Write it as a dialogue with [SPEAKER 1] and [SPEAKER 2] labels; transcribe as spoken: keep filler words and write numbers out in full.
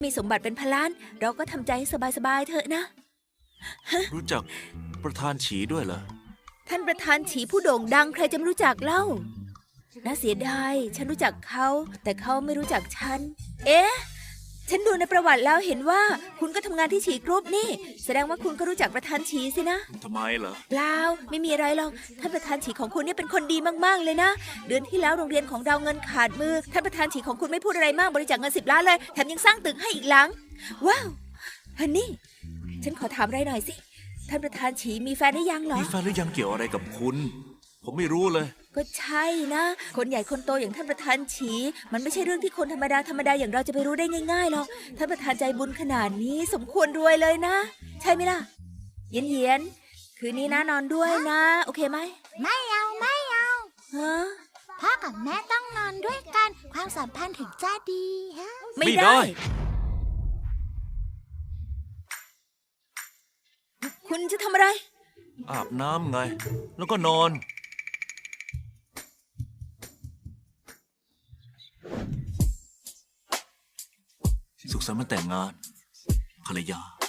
[SPEAKER 1] มีสมบัติเป็นพันล้านเราก็ทำใจให้สบายๆเถอะนะ
[SPEAKER 2] รู้จักประธานฉีด้วยเหรอ
[SPEAKER 1] ท่านประธานฉีผู้โด่งดังใครจะไม่รู้จักเล่าน่าเสียดายฉันรู้จักเขาแต่เขาไม่รู้จักฉันเอ๊ะฉันดูในประวัติแล้วเห็นว่าคุณก็ทำงานที่ฉีกรุ๊ปนี่แสดงว่าคุณก็รู้จักประธานฉีสินะ
[SPEAKER 2] ทำไมเหรอ
[SPEAKER 1] เปล่าไม่มีอะไรหรอกท่านประธานฉีของคุณนี่เป็นคนดีมากๆเลยนะเดือนที่แล้วโรงเรียนของเราเงินขาดมือท่านประธานฉีของคุณไม่พูดอะไรมากบริจาคเงินสิบล้านเลยแถมยังสร้างตึกให้อีกหลังว้าวฮันนี่ฉันขอถามอะไรหน่อยสิท่านประธานฉีมีแฟนหรือยังเหรอ
[SPEAKER 2] มีแฟนหรือยังเกี่ยวอะไรกับคุณผมไม่รู้เลย
[SPEAKER 1] ก็ใช่นะคนใหญ่คนโตอย่างท่านประธานฉีมันไม่ใช่เรื่องที่คนธรรมดาธรรมดาอย่างเราจะไปรู้ได้ง่ายๆหรอกท่านประธานใจบุญขนาดนี้สมควรรวยเลยนะใช่ไหมล่ะเย็นเย็นคืนนี้นะนอนด้วยนะโอเคไหม
[SPEAKER 3] ไม่เอาไม่เอา
[SPEAKER 1] ฮะ
[SPEAKER 3] พ่อกับแม่ต้องนอนด้วยกันความสัมพันธ์ถึงจะดีฮะ
[SPEAKER 1] ไม่ได้คุณจะทำอะไร
[SPEAKER 2] อาบน้ำไงแล้วก็นอนสุขสันต์วันแต่งงานภรรยา